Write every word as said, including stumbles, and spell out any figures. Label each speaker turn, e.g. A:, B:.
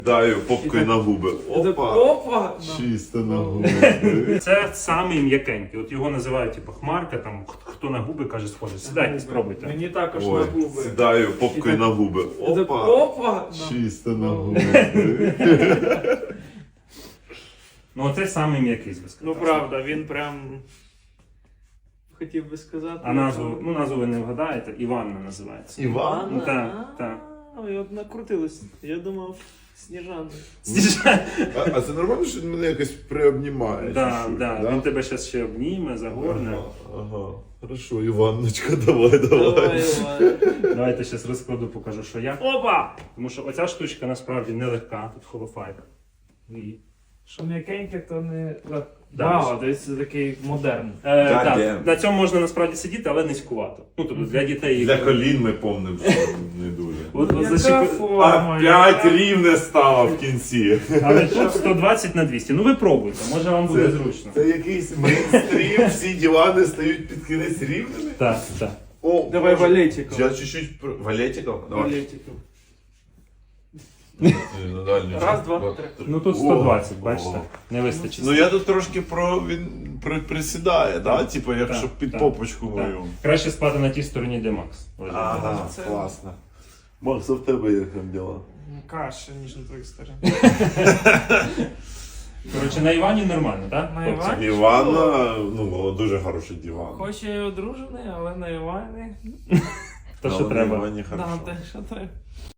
A: Даю попкою на губи. Опа!
B: Опа!
A: Чисто на губи.
C: Це самий м'якенький. От його називають типу хмарка, там хто на губи каже схоже. Сідайте, спробуйте.
B: Мені також на
A: Ой,
B: губи.
A: сідаю попкою на губи. Опа!
B: Опа!
A: Чисто на губи.
C: Ну оце самий м'який з
B: Ну
C: безкоштовно.
B: правда, він прям хотів би сказати.
C: А назву, ну назву ви не вгадаєте, Іванна називається.
A: Іван?
C: Ну, так, так.
B: Ой, от накрутилось. Я думав, Сніжана.
A: А, а це нормально, що він мене якось приобнімає?
C: Да,
A: чи що?
C: да. Він тебе зараз ще обніме, загорне.
A: Ага, ага. Хорошо, Іванночка, давай, давай.
B: Давай, давай.
C: Давайте зараз розкладу, покажу, що я. Опа! Тому що оця штучка насправді нелегка, тут холофайбер. І...
B: Що м'якеньке, то не легко.
C: Да,
B: Вау, десь це такий модерн.
C: Е,
A: God
C: так,
A: damn.
C: на цьому можна насправді сидіти, але низькувато. Ну, тобто для дітей...
A: Для колін ми помнимо, що не дуже.
C: От, от
B: Яка
C: защіп-
B: форма?
A: Опять
B: яка-
A: рівне стало в кінці.
C: Але тут сто двадцять на двісті. Ну ви пробуйте, може вам буде
A: Це,
C: зручно.
A: це якийсь мейнстрім, всі дивани стають під кінець рівними.
C: Так, так.
A: О,
B: Давай
A: Боже.
B: валетиком.
A: Я чуть-чуть... про- Валетиком? Давай.
B: Валетиком.
A: Ну, дальний.
B: Раз, два, три.
C: Ну тут сто двадцять, бачите, не вистачить.
A: Ну я тут трошки про він при, присідає, да? Типу, якщо
C: Так,
A: під
C: так,
A: попочку
C: так.
A: мою.
C: Краще спати на тій стороні, де Макс.
A: Ага,
B: Це-
A: класно. Макс, а в тебе як там діла?
B: Каша, ніж на твоїх стороні.
C: Коротше, на Івані нормально, так?
B: На Івані?
A: Івана, ну, дуже хороший диван.
B: Хоч я і одружений, але на Івані.
C: То, що
A: Але на
C: треба.
A: Івані
B: Да,
A: хорошо.
B: те, що треба.